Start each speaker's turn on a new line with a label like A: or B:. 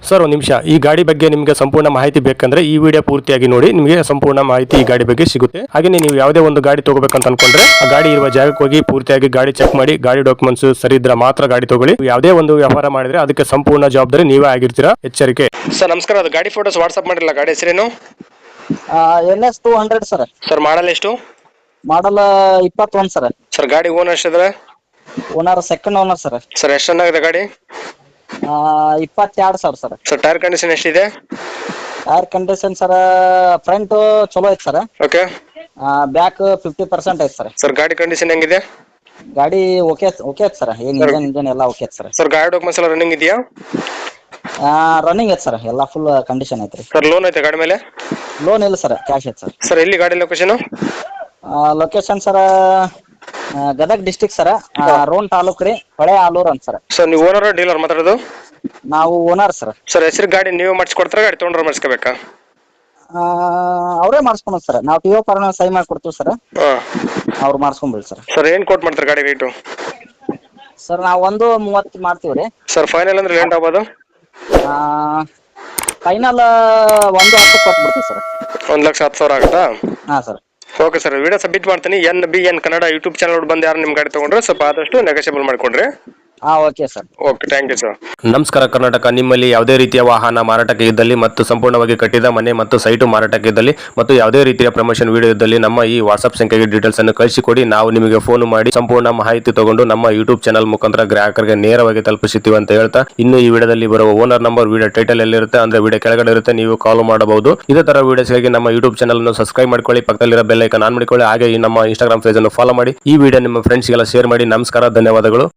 A: Sir ಒಂದು ನಿಮಿಷ, ಈ ಗಾಡಿ ಬಗ್ಗೆ ನಿಮಗೆ ಸಂಪೂರ್ಣ ಮಾಹಿತಿ ಬೇಕಂದ್ರೆ ಈ ವಿಡಿಯೋ ಪೂರ್ತಿಯಾಗಿ ನೋಡಿ, ನಿಮಗೆ ಸಂಪೂರ್ಣ ಮಾಹಿತಿ ಈ ಗಾಡಿ ಬಗ್ಗೆ ಸಿಗುತ್ತೆ. ಹಾಗೆ ನೀವು ಯಾವುದೇ ಒಂದು ಗಾಡಿ ತಗೋಬೇಕಂತ ಅನ್ಕೊಂಡ್ರೆ ಆ ಗಾಡಿ ಇರುವ ಜಾಗಕ್ಕೆ ಹೋಗಿ ಪೂರ್ತಿಯಾಗಿ ಗಾಡಿ ಚೆಕ್ ಮಾಡಿ, ಗಾಡಿ ಡಾಕ್ಯುಮೆಂಟ್ಸ್ ಸರಿ ಇದ್ರೆ ಮಾತ್ರ ಗಾಡಿ ತಗೊಳ್ಳಿ. ಯಾವುದೇ ಒಂದು ವ್ಯವಹಾರ ಮಾಡಿದ್ರೆ ಅದಕ್ಕೆ ಸಂಪೂರ್ಣ ಜವಾಬ್ದಾರಿ ನೀವೇ ಆಗಿರ್ತೀರಾ, ಎಚ್ಚರಿಕೆ. ಸರ್ ನಮಸ್ಕಾರ, ಅದು ಗಾಡಿ ಫೋಟೋಸ್ ವಾಟ್ಸ್ಆಪ್ ಮಾಡಿರಲ್ಲ, ಗಾಡಿ ಹೆಸರೇನು?
B: NS 200 sir.
A: ಸರ್ ಮಾಡಲ್ ಎಷ್ಟು?
B: Model 21 sir.
A: ಸರ್ ಗಾಡಿ ಓನರ್ ಎಷ್ಟಿದ್ರೆ?
B: Owner second owner sir.
A: Sir ಎಷ್ಟು ಚೆನ್ನಾಗಿದೆ ಗಾಡಿ?
B: 22,000 ಸರ್.
A: ಸರ್ ಟೈರ್ ಕಂಡೀಷನ್ ಎಷ್ಟಿದೆ?
B: ಟೈರ್ ಕಂಡೀಷನ್ ಸರ್ ಫ್ರಂಟ್ ಚಲೋ ಐತೆ ಸರ್.
A: ಓಕೆ.
B: ಬ್ಯಾಕ್ 50% ಐತೆ ಸರ್.
A: ಸರ್ ಗಾಡಿ ಕಂಡೀಷನ್ ಹೆಂಗಿದೆ?
B: ಗಾಡಿ ಓಕೆ ಐತೆ ಸರ್. ಇಂಜನ್ ಎಲ್ಲ ಓಕೆ ಐತೆ ಸರ್.
A: ಸರ್ ಗಾಡಿ ಡಾಕ್ಯುಮೆಂಟ್ಸ್ ಎಲ್ಲ ರನ್ನಿಂಗ್ ಇದೆಯಾ?
B: ರನ್ನಿಂಗ್ ಐತೆ ಸರ್, ಎಲ್ಲ ಫುಲ್ ಕಂಡೀಷನ್ ಐತ್ರಿ.
A: ಸರ್ ಲೋನ್ ಐತೆ ಗಾಡಿ ಮೇಲೆ?
B: ಲೋನ್ ಇಲ್ಲ ಸರ್, ಕ್ಯಾಶ್ ಐತೆ ಸರ್.
A: ಸರ್ ಎಲ್ಲಿ ಗಾಡಿ location?
B: Location sir Gadag district sir, Ron taluk ರೀ, ಹೊಳೆ ಆಲೂರ್ ಅಂತ ಸರ್.
A: ಸರ್ ನೀವು ಓನರ್ ಡೀಲರ್ ಮಾತಾಡೋದು?
B: ನಾವು ಓನರ್ ಸರ್.
A: ಸರ್ ಹೆಸರು ಗಾಡಿ ನೀವೇ ಮಾಡಿಸ್ಕೊಡ್ತಾರ, ಗಾಡಿ ತೊಗೊಂಡ್ರೆ ಮಾಡಿಸ್ಕೋಬೇಕಾ?
B: ಅವರೇ ಮಾಡಿಸ್ಕೊಳೋದು ಸರ್. ನಾವು ಟಿ ಒ ಫಾರ್ಮ್ ಸೈ ಮಾಡ್ಕೊಡ್ತೀವಿ ಸರ್, ಅವ್ರು ಮಾಡಿಸ್ಕೊಂಬಿಡಿ ಸರ್.
A: ಸರ್ ಏನು ಕೋಟ್ ಮಾಡ್ತಾರೆ ಗಾಡಿ ರೇಟು?
B: ಸರ್ ನಾವು 1:30 ಮಾಡ್ತೀವಿ ರೀ.
A: ಸರ್ ಫೈನಲ್ ಅಂದ್ರೆ ಲೇಟ್ ಆಗ್ಬೋದು?
B: ಫೈನಲ್ 1:10 ಕೊಟ್ಬಿಡ್ತೀವಿ ಸರ್.
A: 1,10,000 ಆಗುತ್ತಾ?
B: ಹಾಂ sir.
A: Okay sir, video submit ಮಾಡ್ತೀನಿ. NBN ಕನ್ನಡ ಯೂಟ್ಯೂಬ್ ಚಾನಲ್ ಬಂದು ಯಾರು ನಿಮ್ಮ ಗಾಡಿ ತೊಗೊಂಡ್ರೆ ಸ್ವಲ್ಪ ಆದಷ್ಟು ನೆಗೋಷಿಯಬಲ್ ಮಾಡಿಕೊಡ್ರಿ.
B: Okay sir.
A: Okay, thank you sir. ನಮಸ್ಕಾರ ಕರ್ನಾಟಕ. ನಿಮ್ಮಲ್ಲಿ ಯಾವುದೇ ರೀತಿಯ ವಾಹನ ಮಾರಾಟಕ್ಕೆ ಇದ್ದಲ್ಲಿ ಮತ್ತು ಸಂಪೂರ್ಣವಾಗಿ ಕಟ್ಟಿದ ಮನೆ ಮತ್ತು ಸೈಟು ಮಾರಾಟಕ್ಕೆ ಇದ್ದಲ್ಲಿ ಮತ್ತು ಯಾವುದೇ ರೀತಿಯ ಪ್ರಮೋಷನ್ ವಿಡಿಯೋ ಇದ್ದಲ್ಲಿ ನಮ್ಮ ಈ ವಾಟ್ಸ್ಆಪ್ ಸಂಖ್ಯೆಗೆ ಡೀಟೇಲ್ಸ್ ಅನ್ನು ಕಳಿಸಿಕೊಡಿ. ನಾವು ನಿಮಗೆ ಫೋನ್ ಮಾಡಿ ಸಂಪೂರ್ಣ ಮಾಹಿತಿ ತಗೊಂಡು ನಮ್ಮ ಯೂಟ್ಯೂಬ್ ಚಾನಲ್ ಮುಖಾಂತರ ಗ್ರಾಹಕರಿಗೆ ನೇರವಾಗಿ ತಲುಪಿಸುತ್ತೀವಿ ಅಂತ ಹೇಳ್ತಾ, ಇನ್ನು ಈ ವಿಡಿಯೋದಲ್ಲಿ ಬರುವ ಓನರ್ ನಂಬರ್ ವಿಡಿಯೋ ಟೈಟಲ್ ಎಲ್ಲಿರುತ್ತೆ ಅಂದ್ರೆ ವಿಡಿಯೋ ಕೆಳಗಡೆ ಇರುತ್ತೆ, ನೀವು ಕಾಲ್ ಮಾಡಬಹುದು. ಇದೇ ತರ ವಿಡಿಯೋಸ್ಗಾಗಿ ನಮ್ಮ ಯೂಟ್ಯೂಬ್ ಚಾನಲ್ ಅನ್ನು ಸಬ್ಸ್ಕ್ರೈಬ್ ಮಾಡ್ಕೊಳ್ಳಿ, ಪಕ್ಕದಲ್ಲಿರೋ ಬೆಲ್ ಐಕಾನ್ ಆನ್ ಮಾಡಿಕೊಳ್ಳಿ. ಹಾಗೆ ಈ ನಮ್ಮ ಇನ್ಸ್ಟಾಗ್ರಾಮ್ ಪೇಜ್ ಅನ್ನು ಫಾಲೋ ಮಾಡಿ. ಈ ವಿಡಿಯೋ ನಿಮ್ಮ ಫ್ರೆಂಡ್ಸ್ಗೆಲ್ಲ ಶೇರ್ ಮಾಡಿ. ನಮಸ್ಕಾರ, ಧನ್ಯವಾದಗಳು.